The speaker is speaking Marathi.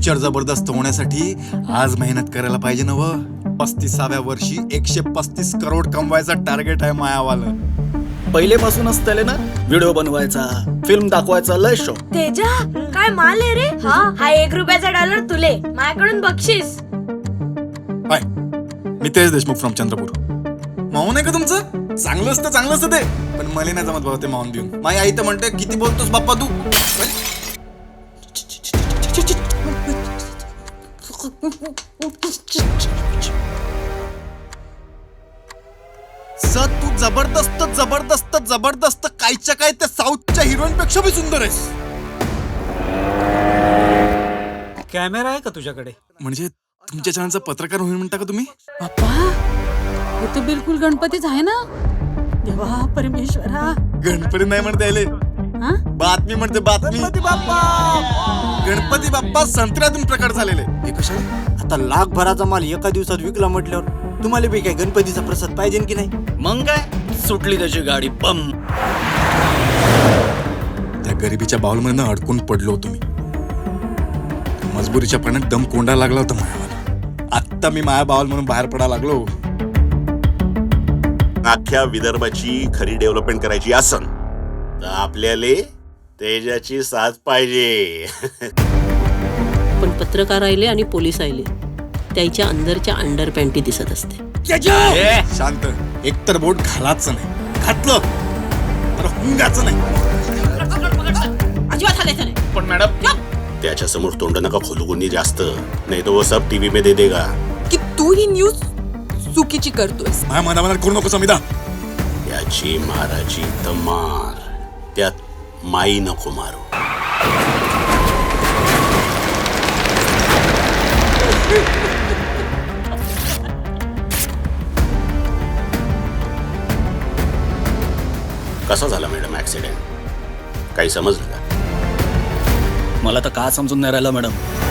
पिक्चर जबरदस्त होण्यासाठी आज मेहनत करायला पाहिजे ना व 35व्या वर्षी 135 करोड कमवायचा टार्गेट आहे मायावाला. पहिलेपासूनच त्याले ना व्हिडिओ बनवायचा, फिल्म दाखवायचा लय शौक. तेजा काय माल आहे रे. हा 1 रुपयाचा डॉलर तुले माझ्याकडून बक्षीस. हाय, मी तेज देशमुख फ्रॉम चंद्रपूर. माहून आहे का तुमचं? चांगलं असतं ते, पण मला नाही जमत भाऊ ते माहून देऊन. माझी आई तर म्हणते किती बोलतोस बाप्पा तू. सर तू जबरदस्त कायच्या काय त्या साऊथच्या हिरोईन पेक्षा भी सुंदर आहेस. कॅमेरा आहे का तुझ्याकडे? म्हणजे तुमच्या चॅनलचा पत्रकार होईल म्हणता का तुम्ही? बाप्पा हे तर बिलकुल गणपतीच आहे ना. देवा परमेश्वरा. गणपती नाही म्हणता येईल, हा? बातमी म्हणते बातमी. गणपती बाप्पा संत्र्यातून प्रकट झालेले. हे कशाला? आता लाखभराचा माल एका दिवसात विकला म्हटल्यावर तुम्हाला बी काय गणपतीचा प्रसाद पाहिजे की नाही? मग काय सुटली त्याची गाडी बम. त्या गरिबीच्या बाउलमध्ये अडकून पडलो होतो मी. मजबुरीच्या पाण्यात दम कोंडा लागला होता मायावाला. आत्ता मी माया बाउल म्हणून बाहेर पडायला लागलो. अख्ख्या विदर्भाची खरी डेव्हलपमेंट करायची असन तर आपल्याला तेजाची साथ पाहिजे. पण पत्रकार आले आणि पोलीस आले त्याच्या अंदरच्या अंडर पॅन्टी दिसत असते. शांत. एकतर बोट घालायचं नाही, घातलं तर हुंगाचं नाही. अजिबात हालायचं नाही. पण मॅडम त्याच्या समोर तोंड नका खोलू कोणी जास्त, नाही तो वो सब टीव्ही मध्ये देगा. की तू ही न्यूज चुकीची करतोयस. माझ्या मनामनात करू नको समिधा. याची माराची तर मार, त्यात माई नको मारू. कसा झाला मॅडम ऍक्सिडेंट? काही समजलं का? मला तर का समजून नाही राहिलं मॅडम.